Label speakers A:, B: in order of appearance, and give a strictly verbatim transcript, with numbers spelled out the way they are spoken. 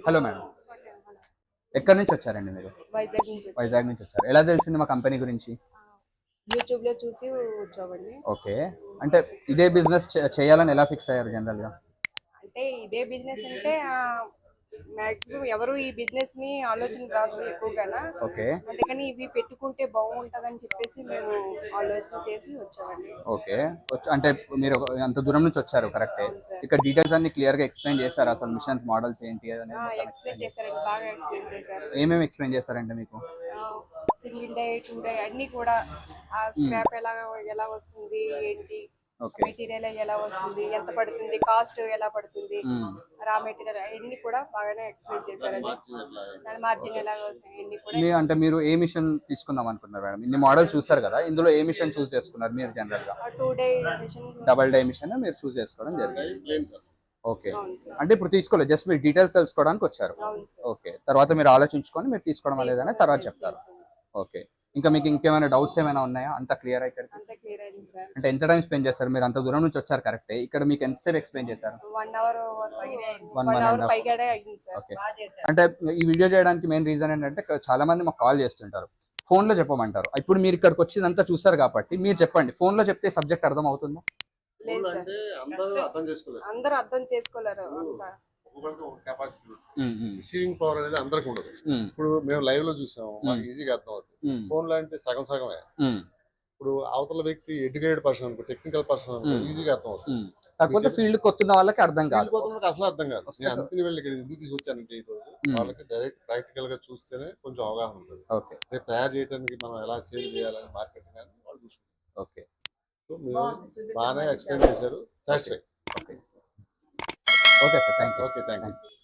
A: Hello madam, ఎక్కడి నుంచి వచ్చారండి మీరు?
B: వైజాగ్ నుంచి వచ్చాం.
A: వైజాగ్ నుంచి వచ్చారు. ఎలా తెలిసింది మా కంపెనీ గురించి?
B: యూట్యూబ్ లో చూసి వచ్చామండి.
A: ఓకే, అంటే ఇదే బిజినెస్ చేయాలని ఎలా ఫిక్స్ అయ్యారు జనరల్గా?
B: అంటే ఇదే బిజినెస్ అంటే మాక్సిమం ఎవరు ఈ బిజినెస్ ని ఆలోచన రాదు ఎక్కువగా.
A: ఓకే
B: అందుకని ఇవి పెట్టుకుంటే బాగుంటదని చెప్పేసి మేము ఆలోచన చేసి వచ్చామండి.
A: ఓకే వచ్చి అంటే మీరు ఒక- అంత దూరం నుంచి వచ్చారు, కరెక్టే.
B: అవును సార్.
A: ఇక్కడ డీటెయిల్స్ అన్ని క్లియర్ గా ఎక్స్ప్లెయిన్ చేశారు, అసలు మిషన్స్ మోడల్స్ ఏంటి అనేది మొత్తం
B: ఎక్స్ప్లెయిన్
A: ఎక్స్ప్లెయిన్ చేశారు.
B: చేశారండి, బాగా ఎక్స్ప్లెయిన్ చేశారు.
A: ఏమేమి ఎక్స్ప్లెయిన్ చేశారంటే మీకు?
B: సింగిల్ డే టూ డే అన్ని కూడా ఆ స్క్రాప్ ఎలా ఎలా వస్తుంది ఏంటి,
A: ఓకే
B: మెటీరియల్ ఎలా వస్తుంది, ఎంత పడుతుంది, కాస్ట్ ఎలా పడుతుంది, రా మెటీరియల్ అన్ని కూడా బాగానే ఎక్స్ప్లెయిన్ చేశారండి. దాని మార్జిన్ ఎలా వస్తుంది అన్ని కూడా.
A: మీ అంటే మీరు ఏ మిషన్ తీసుకుందాం అనుకున్నారు మేడం? ఇన్ని మోడల్స్ చూసారు కదా, ఇందులో ఏ మిషన్ చూస్ చేసుకున్నారు మీరు జనరల్ గా?
B: Two day machine.
A: Double dye machine మీరు చూస్ చేసుకోవడం జరిగింది. ఓకే,
B: అవును సార్.
A: అంటే ఇప్పుడు తీసుకోలేదు, జస్ట్ మీరు డీటెయిల్స్ తెలుసుకోవడానికి వచ్చారు.
B: అవును సార్.
A: ఓకే, తర్వాత మీరు ఆలోచించుకొని మీరు తీసుకోవడం లేదని తర్వాత చెప్తారు. ఓకే, ఇంకా మీకు ఇంకేమైనా డౌట్స్ ఏమైనా ఉన్నాయా? అంత క్లియర్ అయితే
B: అంతా క్లియర్ అయింది సార్.
A: అంటే ఎంత టైం స్పెండ్ చేస్తారు మీరు? అంత దూరం నుంచి వచ్చారు, కరెక్టే. ఇక్కడ మీకు ఎంతసేపు ఎక్స్ప్లెయిన్ చేశారు?
B: One hour
A: one
B: one
A: one
B: hour
A: and
B: పైగానే అయింది సార్.
A: ఓకే, అంటే ఈ వీడియో చేయడానికి మెయిన్ రీజన్ ఏంటంటే చాలా మంది మాకు కాల్ చేస్తుంటారు, ఫోన్ లో చెప్పమంటారు. ఇప్పుడు మీరు ఇక్కడికి వచ్చిందంతా చూసారు కాబట్టి మీరు చెప్పండి, ఫోన్ లో చెప్తే సబ్జెక్ట్ అర్థం అవుతుందా?
B: లేదు సార్,
C: అందరూ అర్థం చేసుకోలేరు.
B: అందరూ అర్థం చేసుకోలేరు అంతా.
C: కెపాసిటీ రిసీవింగ్ పవర్ అనేది అందరికి ఉండదు. ఇప్పుడు మేము లైవ్ లో చూసాము, మాకు ఈజీగా అర్థం అవుతుంది. ఫోన్ లో అంటే సగం సగమే. ఇప్పుడు అవతల వ్యక్తి ఎడ్యుకేటెడ్ పర్సన్ అనుకో, టెక్నికల్ పర్సన్ అనుకో, ఈజీగా అర్థం అవుతుంది.
A: కాకపోతే ఫీల్డ్ కొత్తున్న వాళ్ళకి అర్థం కాదు,
C: అసలు అర్థం కాదు. నేను అందుకని వెళ్ళి ఇక్కడ ఎందుకు తీసుకొచ్చానంటే ఈ రోజు వాళ్ళకి డైరెక్ట్ ప్రాక్టికల్ గా చూస్తేనే కొంచెం అవగాహన ఉంటుంది.
A: ఓకే,
C: రేపు తయారు చేయడానికి మనం ఎలా సేల్ చేయాలని మార్కెటింగ్ అని వాళ్ళు చూసుకుంటారు.
A: ఓకే,
C: సో మీరు బాగానే ఎక్స్ప్లెయిన్ చేశారు. Satisfy.
A: Okay okay sir, thank you.
C: Okay, thank you.